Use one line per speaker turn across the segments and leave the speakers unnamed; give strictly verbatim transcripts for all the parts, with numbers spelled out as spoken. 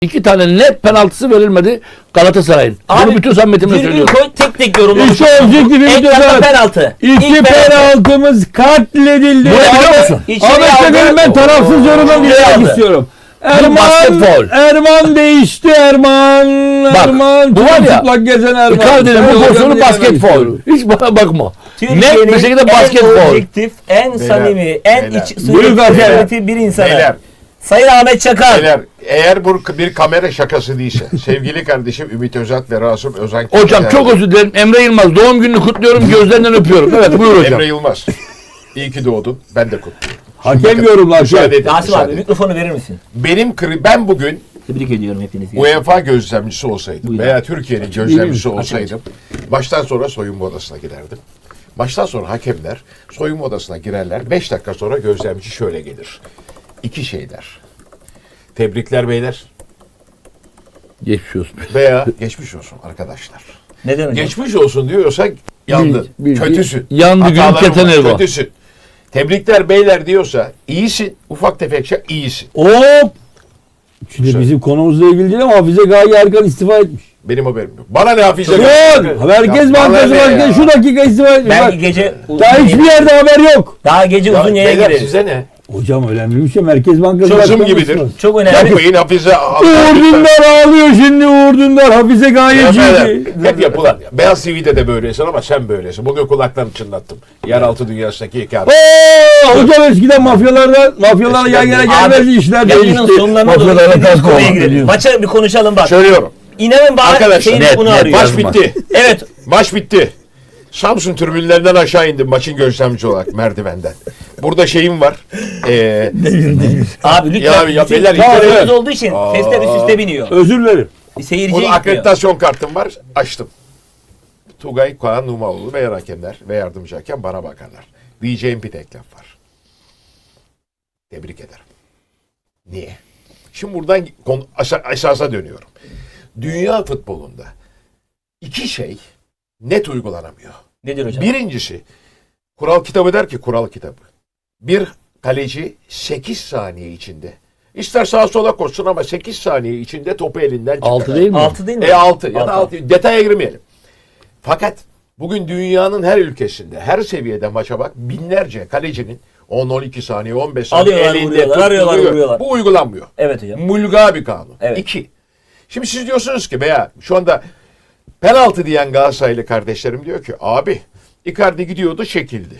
İki tane net penaltısı verilmedi Galatasaray'ın. Bunu bütün samimiyetimle söylüyorum.
Koy, tek tek yorumlamış.
İşte objektifimiz de zaten.
Penaltı.
İki
İlk
penaltımız katledildi.
Bu ne biliyor musun?
Ahmet Çakar'ın ben tarafsız yorumdan dinlemek istiyorum. Erman, Erman değişti Erman.
Bak,
Erman.
Bu var ya.
Çıplak gezen Erman.
Icardi'nin bu pozisyonu basket faul. Hiç bana bakma. Net bir şekilde basket
en
faul.
objektif, en
Beyler,
samimi, en
beyler.
iç
Buyurun
sığ bir insana.
Beyler.
Sayın Ahmet Çakar.
Beyler, eğer bu bir kamera şakası değilse, sevgili kardeşim Ümit Özat ve Rasım Özen.
Hocam çok özür dilerim. Emre Yılmaz doğum gününü kutluyorum. Gözlerinden öpüyorum. Evet buyur hocam.
Emre Yılmaz. İyi ki doğdun. Ben de kutluyorum.
Hakem yorumlar.
Müsaade edin.
Rasim
müsaade
abi
edin.
mikrofonu verir misin?
Benim kri- ben bugün
Tebrik ediyorum hepinizi.
UEFA gözlemcisi olsaydım
Buyurun.
veya Türkiye'nin gözlemcisi
Buyurun.
olsaydım baştan sonra soyunma odasına giderdim. Baştan sonra hakemler soyunma odasına girerler. Beş dakika sonra gözlemci şöyle gelir. İki şeyler. Tebrikler beyler
Geçmiş olsun.
veya geçmiş olsun arkadaşlar.
Neden hocam?
Geçmiş olsun diyorsa yandın.
Bil- bil-
Kötüsün.
yandı gün
Hataların
keten
var,
elva.
kötüsün. Tebrikler beyler diyorsa iyisin. Ufak tefek şey iyisin.
Hop. Şimdi bizim konumuzla ilgili değil ama Hafize Gaye Erkan istifa etmiş.
Benim haberim yok. Bana ne Hafize?
Son. Merkez
Ya bana
Bankası
ne ya?
Başkanı şu dakika istifa etmiş.
Belki
Bak,
gece uzun
daha
yayın-
hiçbir yerde haber yok.
Daha gece
Ya
uzun yayına
beyler
gireriz.
size ne?
Hocam önemli bir şey. Merkez Bankası
Sözüm
Başkanı
gibidir.
istifa.
Çok önemli.
Yapmayın Hafize.
Uğur Dündar ağlıyor şimdi Uğur Dündar. Hafize Gayeci'ydi.
Hep yapılan. Beyaz T V'de de böylesin ama sen böylesin. Bugün kulaklarını çınlattım. Yeraltı dünyasındaki hikaye.
Oo, hocam eskiden mafyalarla mafyalarla yan yana gelmezdi, işler
Yayının
değişti.
sonlarına doğru
Mafyalarla
istediğimiz
ters
konuya
kovan
girelim.
geliyor.
Maça bir konuşalım bak.
Söylüyorum.
İnanın bana
Arkadaşlar,
şeyin
net,
bunu
net.
arıyor.
Maç
Yazma.
bitti.
Evet.
Maç bitti. Samsun tribünlerinden aşağı indim maçın gözlemci olarak merdivenden. Burada şeyim var. Ee,
Abi lütfen.
Ya abi, ya
bütün
beyler,
seyircimiz
evet.
olduğu için sesler üst üste biniyor.
Özür dilerim.
Seyirciye
burada
gitmiyor.
akreditasyon kartım var. Açtım. Tugay, Kaan Numaoğlu ve hakemler ve yardımcı hakem bana bakarlar. Diyeceğim bir tek laf var. Tebrik ederim. Niye? Şimdi buradan konu, asa- esasa dönüyorum. Dünya futbolunda iki şey net uygulanamıyor.
Nedir hocam?
Birincisi, kural kitabı der ki kural kitabı. Bir kaleci sekiz saniye içinde, ister sağa sola koşsun ama sekiz saniye içinde topu elinden çıkarır.
Altı değil mi?
altı değil mi?
E altı ya da
Altı.
altı. Detaya girmeyelim. Fakat bugün dünyanın her ülkesinde, her seviyede maça bak binlerce kalecinin on on iki saniye, on beş saniye
Alıyorlar,
elinde
vuruyorlar, arıyorlar,
tutturuyor.
vuruyorlar.
Bu uygulanmıyor.
Evet hocam.
Mulga bir kanun.
Evet.
İki. Şimdi siz diyorsunuz ki veya şu anda penaltı diyen Galatasaraylı kardeşlerim diyor ki abi Icardi gidiyordu çekildi.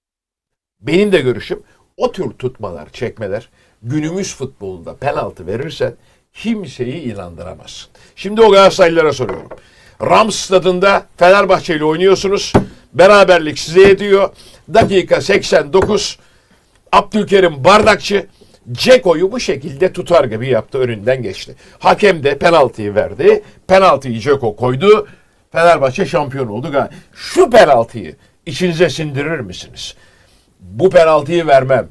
Benim de görüşüm o tür tutmalar, çekmeler günümüz futbolunda penaltı verirsen kimseyi inandıramazsın. Şimdi o Galatasaraylılara soruyorum. Rams stadında Fenerbahçe ile oynuyorsunuz. Beraberlik size ediyor. Dakika seksen dokuz Abdülkerim Bardakçı Ceko'yu bu şekilde tutar gibi yaptı, önünden geçti. Hakem de penaltıyı verdi. Penaltıyı Ceko koydu. Fenerbahçe şampiyon oldu. Şu penaltıyı içinize sindirir misiniz? Bu penaltıyı vermem.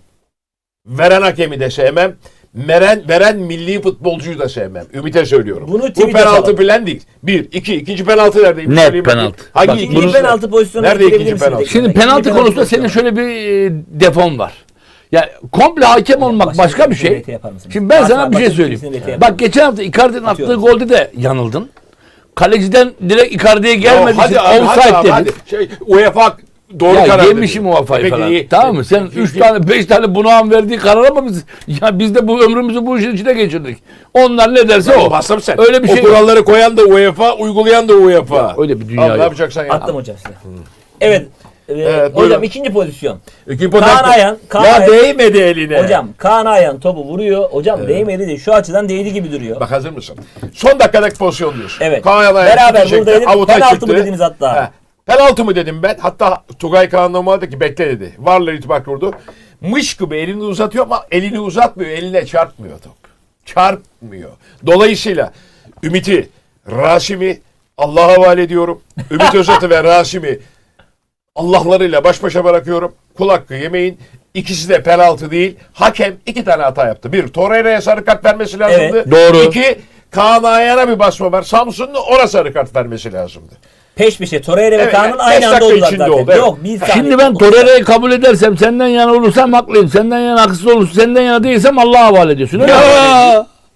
Veren hakemi de sevmem. Veren, veren milli futbolcuyu da sevmem. Ümit'e söylüyorum.
Bunu
Bu
tweet
penaltı
yapalım.
bilen değil. Bir, iki, ikinci penaltı neredeyim?
Net
Söyleyeyim bakayım.
penaltı.
Hangi
Bak,
ikinci
İkinci
bunu-
penaltı pozisyonu
Nerede
getirebilir
ikinci
misiniz
penaltı?
ekrana?
Şimdi
İkinci
penaltı konusunda senin
pozisyonu.
şöyle bir e, defon var. Ya komple hakem olmak
başka
başka
bir
bir şey.
rete yapar mısınız?
Şimdi ben
Başka-
sana bir şey
başka
söyleyeyim.
birisinin rete yapar
Bak geçen hafta Icardi'nin attığı
Atıyorum.
golde de yanıldın. Kaleciden direkt Icardi'ye gelmediği için
hadi abi, hadi
offside
abi,
dedin.
hadi. Şey, UEFA doğru
Ya
karar
yemişim
dedi.
o kafayı
Peki,
falan.
iyi.
Tamam mı? Sen
Peki,
üç
iyi.
tane beş tane bunağın verdiği karar ama biz ya biz de bu ömrümüzü bu işin içine geçirdik. Onlar ne derse o.
Bastım sen.
Öyle bir
o
şey.
kuralları koyan da UEFA, uygulayan da UEFA.
Ya, öyle bir dünya
Al,
yok.
ne yapacaksan ya.
Attım hocam size. Evet. e,
Evet,
hocam
buyurun.
ikinci pozisyon.
İki
Kaan
penaltı.
Ayhan. Kaan
Ya
Ayhan.
değmedi eline.
Hocam Kaan Ayhan topu vuruyor. Hocam değmedi de şu açıdan değdi gibi duruyor.
Bak hazır mısın? Son dakikadaki pozisyon diyorsun.
Evet.
Kaan Ayhan
Beraber
çekti,
buradaydık.
avuta
Penaltı
çıktı.
mı dediniz hatta?
He. Penaltı mı dedim ben. Hatta Tugay Kaan Numaoğlu dedi ki bekle dedi. Varla itibak vurdu. Mış gibi elini uzatıyor ama elini uzatmıyor. Eline çarpmıyor top. Çarpmıyor. Dolayısıyla Ümit'i, Rasim'i Allah'a havale ediyorum. Ümit Özat'ı ve Rasim'i Allah'larıyla baş başa bırakıyorum. Kul hakkı yemeyin. İkisi de penaltı değil. Hakem iki tane hata yaptı. Bir, Torreira'ya sarı kart vermesi lazımdı.
Evet,
doğru.
İki, Kaan Ayhan'a bir basma var. Samsun'un ona sarı kart vermesi lazımdı.
Peş peşe Torreira ve
Evet,
Kaan'ın
evet,
aynı
beş
anda
dakika
oldular
içinde
zaten.
oldu, evet.
Yok bir saniye.
Şimdi ben Torreira'yı kabul edersem senden yana olursam haklıyım. Senden yana haksız olursa senden yana değilsem Allah'a havale ediyorsun. Öyle mi?
Ya.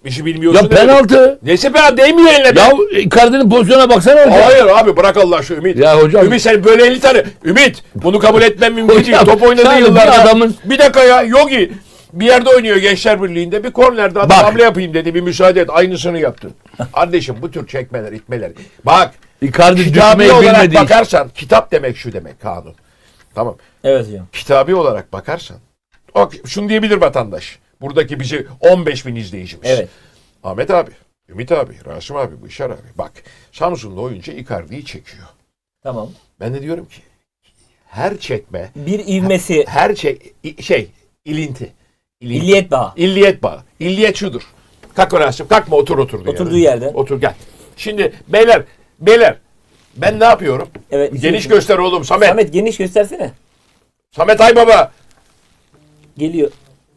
İşi bilmiyorsun.
Ya
demedim.
penaltı.
Neyse penaltı değmiyor eline be.
Ya Icardi'nin pozisyona baksana hocam.
Hayır abi bırak Allah aşkına Ümit.
Ya hocam-
Ümit sen böyle elli tane. Ümit bunu kabul etmem mümkün değil.
Hocam,
Top oynadığı
sen de bir
yıllarda.
adamın-
Bir dakika ya Yogi. Bir yerde oynuyor Gençler Birliği'nde. Bir kornerde adam
Bak.
hamle yapayım dedi. Bir müsaade et. Aynısını yaptın. Kardeşim bu tür çekmeler itmeler. Bak.
Icardi
Kitabi
düşmeyi
olarak
bilmediği için.
bakarsan. Kitap demek şu demek kanun. Tamam.
Evet hocam.
Kitabi olarak bakarsan. O, şunu diyebilir vatandaş. Buradaki bizi on beş bin izleyicimiz.
Evet.
Ahmet abi, Ümit abi, Rasim abi, Bışar abi. Bak Samsunlu oyuncu Icardi'yi çekiyor.
Tamam.
Ben de diyorum ki her çekme,
Bir ivmesi.
her çek, i- şey, ilinti. İlinti.
Milliyet bağı.
İlliyet bağı. İlliyet şudur. Kalk Rasim, kalkma otur oturduğun
Oturduğu
yerden.
yerden.
Otur gel. Şimdi beyler, beyler ben ne yapıyorum?
Evet.
Geniş
izliyorsun.
göster oğlum Samet. Samet,
Samet geniş göstersene.
Aybaba.
Geliyor.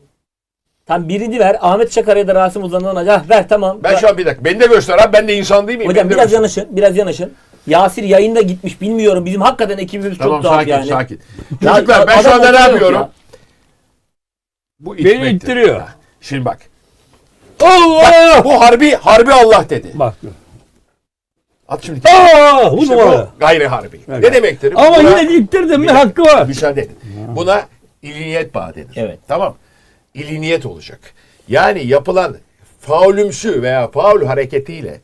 Tam birini ver. Ahmet Çakar'a da Rasim Uzan'dan acaba. Ver tamam.
Ben şu an bir dakika. Beni de göster abi. Ben de insan değil miyim?
Hocam
Beni de
biraz
göster.
yanaşın. Biraz yanaşın. Yasir yayında gitmiş. Bilmiyorum. Bizim hakikaten ekibimiz
Tamam
çok dağıt
sakin
yani.
sakin.
Ya,
Çocuklar ben şu
adam
anda ne
oturuyor
yapıyorum?
ya.
Bu
Beni
itmektir.
ittiriyor.
Şimdi bak.
Allah!
Bu harbi harbi Allah dedi.
Bak.
At şimdi.
Aa, bu
İşte
numara.
bu gayri harbi.
Evet.
Ne demektir?
Ama
Buna-
yine ittirdim mi
Bir dakika,
hakkı var.
Müsaade edin. Buna iliniyet bağı denir.
Evet.
Tamam. İliniyet olacak. Yani yapılan faulümsü veya faul hareketiyle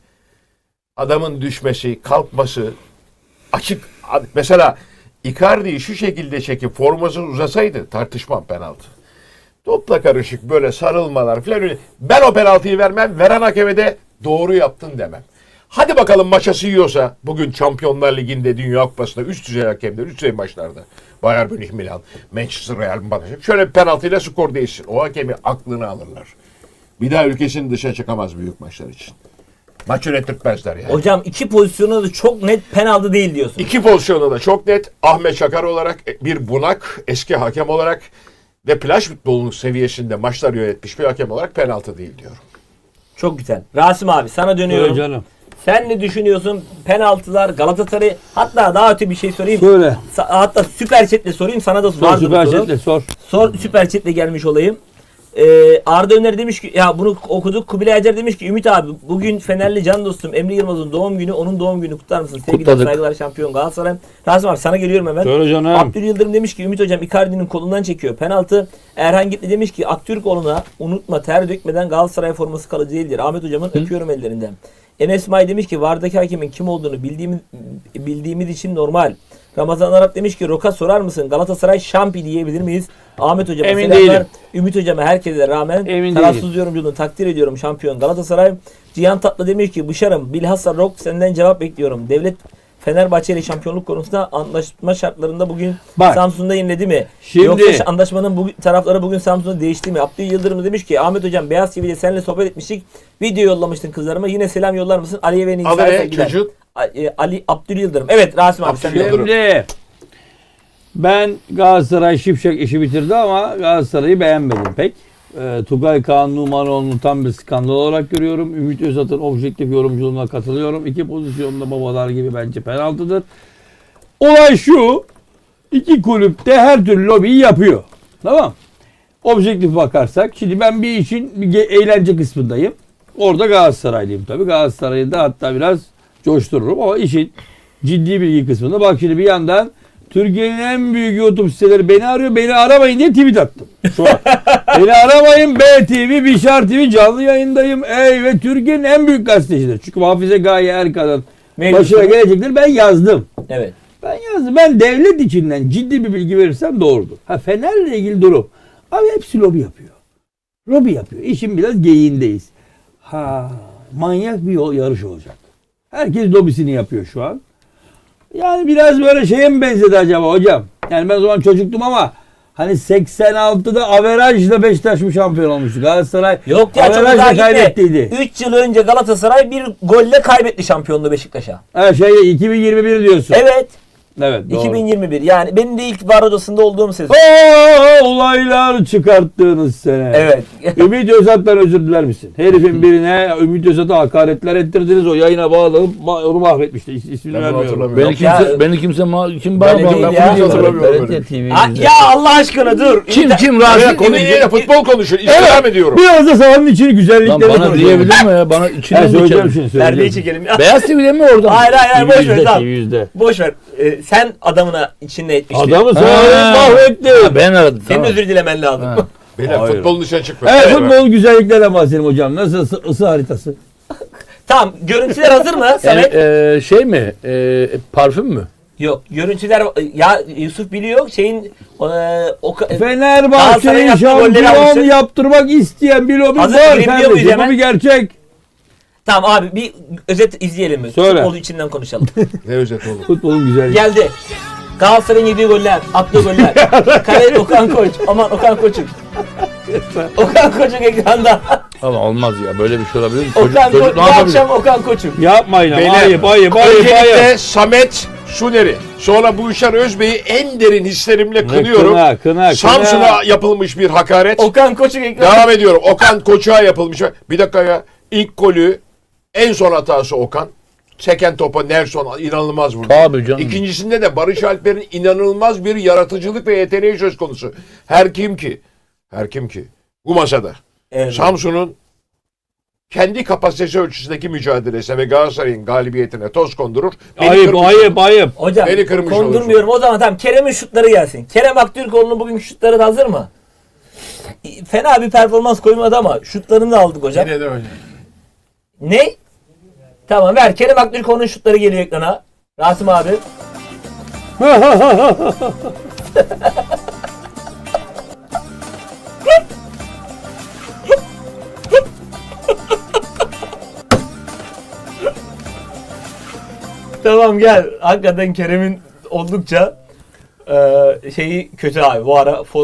adamın düşmesi, kalkması açık. Mesela Icardi'yi şu şekilde çekip forması uzasaydı tartışmam penaltı. Topla karışık böyle sarılmalar falan öyle. Ben o penaltıyı vermem. Veren hakeme de doğru yaptın demem. Hadi bakalım maçası yiyorsa bugün Şampiyonlar Ligi'nde Dünya Kupası'nda üst düzey hakemler, üst düzey maçlarda Bayern Münih, Milan, Manchester, Real Madrid şöyle bir penaltıyla skor değişsin. O hakemi aklını alırlar. Bir daha ülkesinin dışına çıkamaz büyük maçlar için. Maç yönettirtmezler yani.
Hocam iki pozisyonu da çok net penaltı değil diyorsun.
İki pozisyonu da çok net. Ahmet Çakar olarak bir bunak, eski hakem olarak ve plaj futbolunun seviyesinde maçlar yönetmiş bir hakem olarak penaltı değil diyorum.
Çok güzel. Rasim abi sana dönüyorum.
Söyle canım.
Sen ne düşünüyorsun? Penaltılar, Galatasaray, hatta daha öte bir şey sorayım.
Söyle.
Sa- hatta süper chatle sorayım. Sana da
Sor
vardı bu
süper
soru.
chatle sor.
Sor süper chatle gelmiş olayım. Ee, Arda Öner demiş ki ya bunu okuduk. Kubilay Acar demiş ki Ümit abi bugün Fenerli can dostum Emre Yılmaz'ın doğum günü. Onun doğum günü kutlar mısın? Sevgiler
Kutladık.
saygılar şampiyon Galatasaray. Rasim abi sana geliyorum hemen.
Söyle canım.
Abdül Yıldırım demiş ki Ümit hocam Icardi'nin kolundan çekiyor penaltı. Erhan Gitli demiş ki Aktürkoğlu'na unutma ter dökmeden Galatasaray forması kalıcı değildir. Ahmet hocamın öpüyorum ellerinden. Enes May demiş ki vardaki hakemin kim olduğunu bildiğimiz, bildiğimiz için normal. Ramazan Arap demiş ki Roka sorar mısın? Galatasaray şampi diyebilir miyiz? Ahmet hocama
Emin
selamlar.
değilim.
Ümit hocama herkese rağmen
Emin
tarafsız
değilim.
yorumculuğunu takdir ediyorum şampiyon Galatasaray. Cihan Tatlı demiş ki Bışarım bilhassa Rock senden cevap bekliyorum. Devlet Fenerbahçe ile şampiyonluk konusunda anlaşma şartlarında bugün
Bak.
Samsun'da yeniledi mi?
Şimdi-
Yoksa anlaşmanın bugün, tarafları bugün Samsun'da değişti mi? Abdül Yıldırım demiş ki Ahmet hocam Beyaz T V'de seninle sohbet etmiştik. Video yollamıştın kızlarıma. Yine selam yollar mısın? Aliye ve
Adı
Nisa'ya
ne
sevgiler.
çocuk?
A- e, Ali Abdül Yıldırım. Evet Rasim abi
Abdül
sen de.
Yıldırım.
Şimdi ben Galatasaray şipşak işi bitirdi ama Galatasaray'ı beğenmedim pek. Ee, Tugay Kaan Numanoğlu'nu tam bir skandal olarak görüyorum. Ümit Özat'ın objektif yorumculuğuna katılıyorum. İki pozisyonda babalar gibi bence penaltıdır. Olay şu. İki kulüpte her türlü lobiyi yapıyor. Tamam. Objektif bakarsak. Şimdi ben bir işin bir ge- eğlence kısmındayım. Orada Galatasaraylıyım tabii. Galatasaray'ı da hatta biraz coştururum ama işin ciddi bilgi kısmında. Bak şimdi bir yandan Türkiye'nin en büyük YouTube siteleri beni arıyor. Beni aramayın diye tweet attım. Şu an. Beni aramayın. B T V, Bişar T V canlı yayındayım. Ey ve Türkiye'nin en büyük gazetecidir. Çünkü Hafize Gaye Erkan'ın
Mevcut.
başına gelecektir. Ben yazdım.
Evet.
Ben yazdım. Ben devlet içinden ciddi bir bilgi verirsem doğrudur. Ha Fener'le ilgili durum. Abi hepsi lobi yapıyor. Lobi yapıyor. İşin biraz geyiğindeyiz. Ha manyak bir yol, yarış olacak. Herkes lobisini yapıyor şu an. Yani biraz böyle şeye mi benzedi acaba hocam? Yani ben o zaman çocuktum ama hani seksen altıda averajla Beşiktaş mı şampiyon olmuştu? Galatasaray
Yok ya çok
averajla
daha gitme.
kaybettiydi.
üç yıl önce Galatasaray bir golle kaybetti şampiyonluğu Beşiktaş'a.
Ha şey iki bin yirmi bir diyorsun.
Evet.
Evet doğru.
iki bin yirmi bir yani benim de ilk var odasında olduğum sezon.
Oo, olaylar çıkarttığınız sene.
Evet.
Ümit Özat'tan özür diler misin? Herifin birine Ümit Özat'a hakaretler ettirdiniz. O yayına bağlanıp ma- onu mahvetmişti. İs- İsmini
Ben bunu
vermiyorum.
hatırlamıyorum.
Beni
Yok
kimse,
ya.
beni kimse ma- kim
Böyle
bağlı?
değil
Ben
ya.
bunu hiç
hatırlamıyorum.
T V yüzde.
Ha, ya Allah aşkına dur.
Kim
İnter-
kim
Ya
razı?
konu yine futbol konuşuyor. İstirham ediyorum.
Biraz da sahanın içini
Lan
güzellikleri
bana
konuşalım.
diyebilir mi ya? Bana
Ben
içinden
söyleyeceğim
geçelim.
şimdi.
Perdeyi
söyleyeceğim.
çekelim.
Beyaz T V'de mi orada?
Hayır hayır hayır boş ver
T V yüzde,
tamam.
T V yüzde.
Boş ver. Ee, sen adamına içinde etmiştin.
Adamı
Ha.
sonra mahvetti.
Ha, ben aradım.
Senin
Tamam.
özür dilemen lazım.
Ha.
Beyler
Hayır.
futbolun dışına çıkma.
Evet futbol güzelliklerle bahsedelim hocam. Nasıl ısı, ısı haritası?
Tamam görüntüler hazır mı
Yani,
Samet?
e, şey mi? E, parfüm mü?
Yok görüntüler ya Yusuf biliyor şeyin e, o ka-
Fenerbahçe'yi
Galatasaray'ın attığı golleri
şampiyon
almıştı.
yaptırmak isteyen bir lobi
Hazır,
var
girebiliyor muyuz
kardeşim. Bu
hemen?
bir gerçek.
Tamam abi bir özet izleyelim mi?
Söyle.
Futbolu içinden konuşalım.
Ne özet oğlum.
Futbolun güzelliği.
Geldi. Galatasaray'ın yediği goller, attığı goller. Kale Okan Koç. Aman Okan Koç'um. Okan Koç'un ekranda.
Ama olmaz ya. Böyle bir şey olabilir mi? Çocuk,
Okan Koç
çocuk
bu
ne yapabilir?
akşam Okan Koç'um.
Yapmayın ama.
Beyler,
Ayıp ayıp ayıp ayıp.
Öncelikle Samet Şuneri. Sonra Buşar Özbey'i en derin hislerimle kınıyorum.
Kına kına kına.
Samsun'a yapılmış bir hakaret.
Okan Koç'un ekranda.
Devam ediyorum. Okan Koçuk'a yapılmış. Bir dakika ya. İlk golü en son hatası Okan. Seken topa Nelson inanılmaz vurdu.
Tabii canım.
İkincisinde de Barış Alper'in inanılmaz bir yaratıcılık ve yeteneği söz konusu. Her kim ki, her kim ki bu masada
Evet.
Samsun'un kendi kapasitesi ölçüsündeki mücadelesine ve Galatasaray'ın galibiyetine toz kondurur. Beni
Ayıp
kırmış
ayıp ayıp.
Hocam
Beni kırmış
kondurmuyorum. O zaman tamam Kerem'in şutları gelsin. Kerem Aktürkoğlu'nun bugünkü şutları da hazır mı? Fena bir performans koymadı ama şutlarını da aldık hocam.
Yine de öyle.
Ne? Tamam ver. Kerem Aktürkoğlu'nun şutları geliyor ekrana. Rasim abi. Tamam gel. Hakikaten Kerem'in oldukça eee, şeyi kötü abi. Bu ara